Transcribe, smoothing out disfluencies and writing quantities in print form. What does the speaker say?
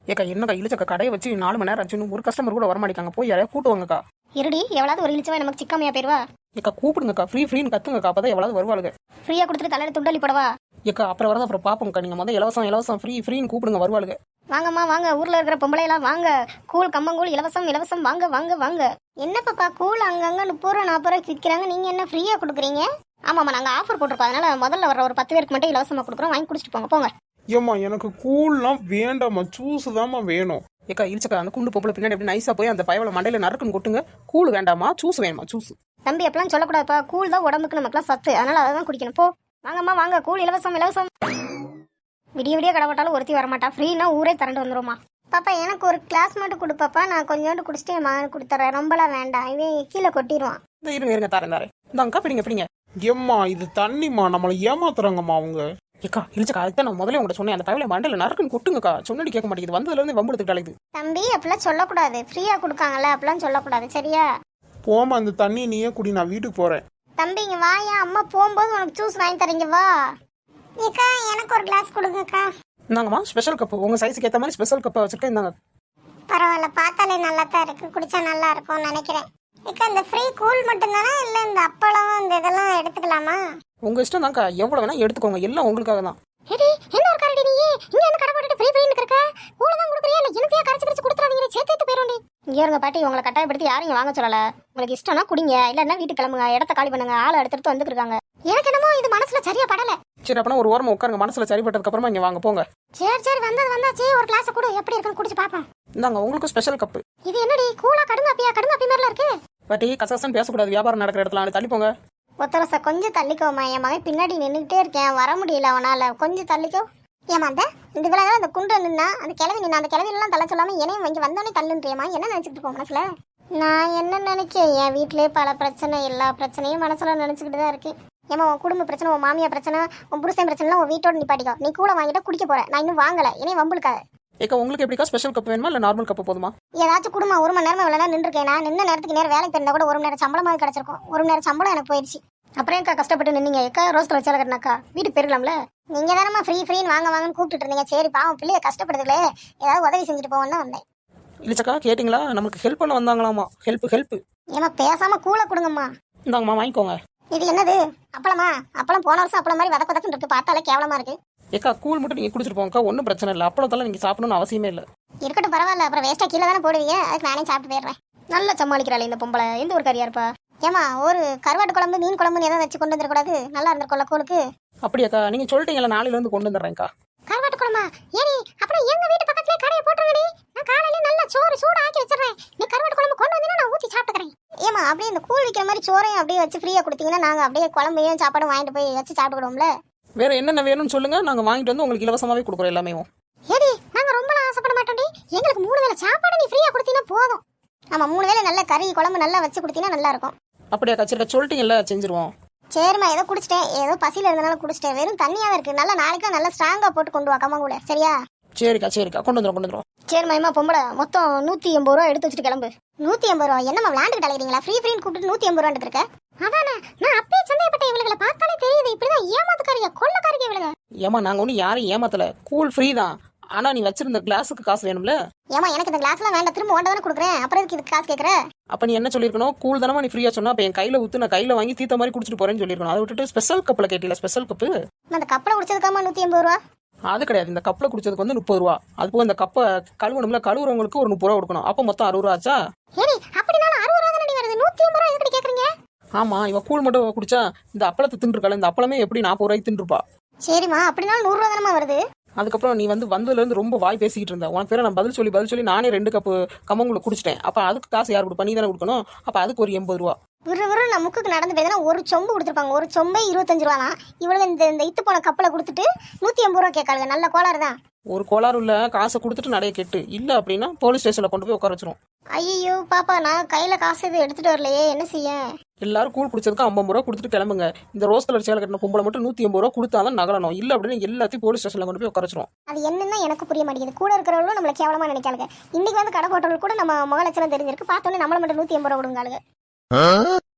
ஏக்கா என்னக்கா இழிச்சக்கா கடையை வச்சு 4 மணி நேரம் ஆச்சு ஒரு கஸ்டமர் கூட வரமாட்டாங்க போய் யாரையா கூட்டுவாங்கக்கா. இருடி எவ்வளவு ஒரு இழிச்சவன் நமக்கு சிக்காமையா போயிருவா. ஏக்கா கூப்பிடுங்கக்கா ஃப்ரீன்னு கத்துங்கக்கா அப்பதான் எவ்வளவு வருவாளுங்க. ஃப்ரீயா கொடுத்துட்டு தலையில துண்டலி போடவா. ஏக்கா அப்புறம் வரதான் அப்புறம் பாப்போம்க்கா. நீங்க முதல்ல இலவசம் ஃப்ரீன்னு கூப்பிடுங்க வருவாளுங்க. வாங்கம்மா வாங்க, ஊர்ல இருக்கிற பொம்பளை எல்லாம் வாங்க. கூழ் கம்மங்கூழ் இலவசம் வாங்க வாங்க வாங்க. என்ன பாப்பா கூழ் அங்கங்க 30 ரூபா 40 ரூபாய்க்கு விற்கிறாங்க, நீங்க என்ன ஃப்ரீயா கொடுக்குறீங்க? ஆமாம்மா நாங்க ஆஃபர் போட்டிருக்கோம், அதனால முதல்ல வர ஒரு 10 பேருக்கு மட்டும் இலவசமா கொடுக்குறோம், வாங்கி குடிச்சிட்டு போங்க போங்க. ஏம்மா எனக்கு கூழ்லாம் வேண்டாம்மா, ஜூஸ் தாம்மா வேணும். ஏக்கா இழிச்சக்கா அந்த குண்டு பொம்பளை பின்னாடி எப்படி நைஸா போய் அந்த பயவளை மண்டையில நறுக்குன்னு கொட்டுங்க. கூழ் வேண்டாமா சூஸ் வேணுமா சூஸ். தம்பி அப்பெல்லாம் சொல்லக்கூடாதுப்பா, கூழ் தான் உடம்புக்கு நமக்குலாம் சத்து, அதனால அதை தான் குடிக்கணும். போ வாங்கம்மா வாங்க, கூழ் இலவசம். விடிய விடிய கடப்பட்டாலும் ஒருத்தி வரமாட்டா, ஃப்ரீனா ஊரே திரண்டு வந்துருமா. பாப்பா எனக்கு ஒரு கிளாஸ் மட்டும் கொடுப்பாப்பா, நான் கொஞ்சோண்டு குடிச்சிட்டு என் மகனுக்கு கொடுத்துட்றேன், ரொம்பலாம் வேண்டாம், இவன் கீழே கொட்டிடுவான். இருங்க தரேன் இந்தாங்கக்கா பிடிங்க. ஏம்மா இது தண்ணிம்மா, நம்மளை ஏமாத்துறாங்கம்மா அவங்க. ஏக்கா இழிச்சக்கா அதுக்கு நான் முதல்ல உங்கள்கிட்ட சொன்னேன், அந்த பயவளை மண்டையில நறுக்குன்னு கொட்டுங்கக்கா. சொன்னடி கேட்க மாட்டேங்குது, வந்ததுல இருந்து வம்புடுத்துட்டு அழைக்குது. தம்பி அப்படிலாம் சொல்லக்கூடாது, ஃப்ரீயா கொடுக்காங்கல்ல அப்படிலாம் சொல்லக்கூடாது சரியா. போமா அந்த தண்ணி நீயே குடி, நான் வீட்டுக்கு போறேன். தம்பி இங்க வாயா, அம்மா போகும்போது உனக்கு ஜூஸ் வாங்கி தரீங்க வா. ஏக்கா எனக்கு ஒரு கிளாஸ் கொடுங்கக்கா. இந்தாங்கம்மா ஸ்பெஷல் கப்பு, உங்க சைஸுக்கு ஏற்ற மாதிரி ஸ்பெஷல் கப்பை வச்சுருக்கேன். இந்தாங்க. பரவாயில்ல, பார்த்தாலே நல்லா தான் இருக்கு, குடிச்சா நல்லா இருக்கும்னு நினைக்கிறேன். ஏக்கா இந்த ஃப்ரீ கூல் மட்டும் தானே, இல்ல இந்த அப்பளம் இந்த இதெல்லாம் எடுத்துக்கலாமா? உங்க இஷ்டம் தான்க்கா, எவ்வளவு வேணா எடுத்துக்கோங்க, எல்லாம் உங்களுக்காக தான். ஏடி என்ன ஒரு கரடி நீ இங்க என்ன கடை போட்டுட்டு ஃப்ரீன்னு இருக்க? கூல தான் குடுக்குறியா இல்ல எனத்தையா கரைச்சு கொடுத்துறாதீங்க, சேர்த்து போயிரோண்டி. இங்க இருங்க பாட்டி, உங்களை கட்டாயப்படுத்தி யாரையும் வாங்க சொல்லல. உங்களுக்கு இஷ்டம்னா குடிங்க, இல்லன்னா வீட்டுக்கு கிளம்புங்க, இடத்த காலி பண்ணுங்க, ஆளை எடுத்துட்டு வந்துருக்காங்க. எனக்கு என்னமோ இது மனசுல சரியா படல. சரி அப்பனா ஒரு ஓரமா உட்காருங்க, மனசுல சரிப்பட்டதுக்கு அப்புறமா இங்க வாங்க போங்க. சரி வந்தாச்சு, ஒரு கிளாஸ் கூட எப்படி இருக்குன்னு குடிச்சு பாப்போம். இந்தாங்க உங்களுக்கு ஸ்பெஷல் கப்பு. இது என்னடி கூலா கடுங்காப்பி மாதிரில இருக்கு. பாட்டி கசகசன்னு பேசக்கூடாது, வியாபாரம் நடக்கிற இடத்துல தள்ளி போங்க. ஒத்தரச கொஞ்சம் தள்ளிக்கோமா, என் மகன் பின்னாடி நின்றுகிட்டே இருக்கேன், வர முடியல அவனால, கொஞ்சம் தள்ளிக்கோ. ஏமா இந்த விழா அந்த குண்டு நின்னா அந்த கிளவி நின்னா, அந்த கிளவிலாம் தள்ள சொல்லாம என்னையும் இங்கே வந்தோடனே தள்ளுன்றியம்மா, என்ன நினைச்சிட்டு இருக்கோம் மனசுல? நான் என்ன நினைக்கேன், என் வீட்லயே பல பிரச்சனை, எல்லா பிரச்சனையும் மனசுல நினைச்சுக்கிட்டு தான் இருக்கேன். ஏமா உன் குடும்ப பிரச்சனை, உன் மாமியா பிரச்சனை, உன் புருஷன் பிரச்சனை உன் வீட்டோட நிப்பாட்டிக்கோ. நீ கூட வாங்கிட்டு குடிக்க போற, நான் இன்னும் வாங்கல, என்னையும் வம்புழுக்காது. ஏக்கா உங்களுக்கு எப்படிக்கா ஸ்பெஷல் கப் வேணுமா இல்ல நார்மல் கப் போதுமா? ஏதாச்சும் குடுமா, 1 மணி நேரமா இவ்வளவு நேரம் நின்றுருக்கேன், நான் நின்ன நேரத்துக்கு நேரம் வேலைக்கு தெரிந்தா கூட 1 மணி நேரம் சம்பளமாக கிடைச்சிருக்கும். 1 மணி நேரம் சம்பளம் எனக்கு போயிடுச்சு. அப்புறம் ஏக்கா கஷ்டப்பட்டு நின்னீங்க? ஏக்கா ரோஸ்ல வச்சால கட்டினாக்கா வீட்டுக்கு போயிருக்கலாம்ல. நீங்க தானம்மா ஃப்ரீன்னு வாங்கன்னு கூப்பிட்டு இருந்தீங்க. சரி பாவம் பிள்ளைய கஷ்டப்படுதுங்களே, ஏதாவது உதவி செஞ்சுட்டு போவோன்னு வந்தேன். இல்லச்சக்கா கேட்டிங்களா, நமக்கு ஹெல்ப் பண்ண வந்தாங்களாமா. ஹெல்ப் ஏமா பேசாம கூல கொடுங்கம்மா. இந்தாங்கம்மா வாங்கிக்கோங்க. இது என்னது அப்பளமா? அப்பளம் போன வருஷம் அப்பளம் மாதிரி வதக்கு இருக்கு, பார்த்தாலே கேவலமா இருக்கு. ஏக்கா கூழ் மட்டும் நீங்க குடிச்சிட்டு போங்கக்கா, ஒன்றும் பிரச்சனை இல்லை. அப்பளத்தெல்லாம் நீங்க சாப்பிடணும்னு அவசியமே இல்லை. இருக்கட்டும் பரவாயில்ல, அப்புறம் வேஸ்டா கீழே தானே போடுவீங்க, அதுக்கு நானே சாப்பிட்டு போயிடுறேன். நல்லா சமாளிக்கிறாள் இந்த பொம்பளை, எந்த ஒரு கறியா இருப்பா. ஏமா ஒரு கருவாட்டு குழம்பு மீன் குழம்புன்னு எதாவது வச்சு கொண்டு வந்துடக்கூடாது? நல்லா இருந்திருக்கோம்ல கூழுக்கு. அப்படியாக்கா நீங்க சொல்லிட்டீங்களா, நாளையில இருந்து கொண்டு வந்துடுறேன்க்கா. கருவாட்டு குழம்பா? ஏடி அப்புறம் எங்க வீட்டு பக்கத்துலயே கடையை போட்டுருங்கடி, நான் காலையில நல்லா சோறு சூடு ஆக்கி வச்சிடுறேன், நீ கருவாட்டு குழம்பு கொண்டு வந்தீங்கன்னா நான் ஊத்தி சாப்பிட்டுக்கிறேன். ஏமா அப்படியே இந்த கூழ் விற்கிற மாதிரி சோறையும் அப்படியே வச்சு ஃப்ரீயா கொடுத்தீங்கன்னா நாங்க அப்படியே குழம்பையும் சாப்பாடும் வாங்கிட்டு போய் வச்சு சாப்பிட்டுக்கிடுவோம்ல. வேற என்னென்ன வேணும்னு சொல்லுங்க, நாங்க வாங்கிட்டு வந்து உங்களுக்கு இலவசமாவே கொடுக்குறோம் எல்லாமே. ஏடி நாங்க ரொம்ப ஆசைப்பட மாட்டோம்டி, எங்களுக்கு 3 வேளை சாப்பாடு நீ ஃப்ரீயா கொடுத்தீங்கன்னா போதும். ஆமா 3 வேளை நல்ல கறி குழம்பு நல்லா வச்சு கொடுத்தீங்கன்னா நல்லா இருக்கும். அப்படியாக்கா சரி சொல்லிட்டீங்கல்ல செஞ்சிருவோம். சரிம்மா ஏதோ குடிச்சிட்டேன், ஏதோ பசியில இருந்தனால குடிச்சிட்டேன், வெறும் தண்ணியாவே இருக்கு, நல்லா நாளைக்கு நல்லா ஸ்ட்ராங்கா போட்டு கொண்டு வா கம்மங்கூழ சரியா? சரிக்கா கொண்டு வந்துடும். சரிம்மா ஏமா பொம்பளை மொத்தம் 180 ரூபா எடுத்து வச்சுட்டு கிளம்பு. 180 ரூபா என்னம்மா விளாண்டுட்டு அலைகிறீங்களா? ஃப்ரீன்னு கூப்பிட்டு 180 ரூபான்னு இருக்க. அதானே நான் அப்பயே சந்தேகப்பட்ட, இவளுகளை பார்த்தாலே தெரியுது இப்படிதான் ஏமாத்துக்காரியா கொள்ளக்காரியா இவளுங்க. ஏமா நாங்க ஒன்றும் யாரையும் ஏமாத்தல, கூழ் ஃப்ரீ தான். ஆனா நீ வச்சிருந்த கிளாஸுக்கு காசு வேணும்ல. ஏமா எனக்கு இந்த கிளாஸ்லாம் வேண்டாம், திரும்ப ஓண்ட தானே கொடுக்குறேன், அப்புறம் இதுக்கு காசு கேட்குற? அப்ப நீ என்ன சொல்லிருக்கணும், கூழ் தானமா நீ ஃப்ரீயா சொன்னா, அப்ப என் கையில ஊத்து நான் கையில வாங்கி தீத்த மாதிரி குடிச்சிட்டு போறேன்னு சொல்லிருக்கணும். அதை விட்டுட்டு ஸ்பெஷல் கப்பில் கேட்டீல. ஸ்பெஷல் கப்பு அந்த கப்பில் குடிச்சதுக்காமா 180 ரூபா? அது கிடையாது, இந்த கப்பில் குடிச்சதுக்கு வந்து 30 ரூபா. அது போக இந்த கப்பை கழுவணும்ல, கழுவுறவங்களுக்கு ஒரு 30 ரூபா கொடுக்கணும். அப்போ மொத்தம் 60 ரூபா ஆச்சா? ஏடி அப்படினாலும் 60 ரூபா தானே வருது, 180 ரூபா எதுக்கு கேக்குறீங்க? ஆமா இவ கூழ் மட்டும் குடிச்சா இந்த அப்பளத்தை தின்றுருக்காள், இந்த அப்பளமே எப்படி 40 ரூபாய்க்கு தின்றுப்பா. சரிம்மா அப்படினாலும் 100 ரூபா தானே வருது. அதுக்கப்புறம் நீ வந்ததுல இருந்து ரொம்ப வாய் பேசிக்கிட்டு இருந்த. உனக்கு பேர நான் பதில் சொல்லி நானே 2 கப்பு கம்மங்கூழ குடிச்சிட்டேன். அப்ப அதுக்கு காசு யார் கொடுப்பா? நீ தானே கொடுக்கணும். அப்ப அதுக்கு ஒரு 80 ரூபா. நான் முக்குக்கு நடந்து போய் ஒரு சொம்பு கொடுத்துருப்பாங்க, ஒரு சொம்பே 25 ரூபா தான். இவளுங்க இந்த இத்து போன கப்பலை கொடுத்துட்டு 180 ரூபா கேட்காளுங்க. நல்ல கோளாறு தான். ஒரு கோளாறு இல்ல, காசை கொடுத்துட்டு நடைய கெட்டு இல்ல அப்படின்னா போலீஸ் ஸ்டேஷன்ல கொண்டு போய் உட்கார வச்சிரும். ஐயோ பாப்பா நான் கையில காசு எதுவும் எடுத்துட்டு வரலையே, என்ன செய்ய? எல்லாரும் கூழ் குடிச்சதுக்கு 50 ரூபா கொடுத்துட்டு கிளம்புங்க. இந்த ரோஸ் கலர் சேலை கட்டின கும்பலை மட்டும் 180 ரூபா கொடுத்தாதான் நகலணும். இல்ல அப்படின்னு எல்லாத்தையும் போலீஸ் ஸ்டேஷன்ல கொண்டு போய் உட்கார வச்சிரும். அது என்னன்னா எனக்கு புரிய மாட்டேங்குது. கூட இருக்கிறவங்களும் நம்மள கேவலமா நினைக்காளுங்க. இன்னைக்கு வந்து கடை போட்டவர்கள் கூட நம்ம முக லட்சணம் தெரிஞ்சிருக்கு, பார்த்தோன்னே நம்மள மட்டும் 180 ரூபா கொடுங்காளுங்க.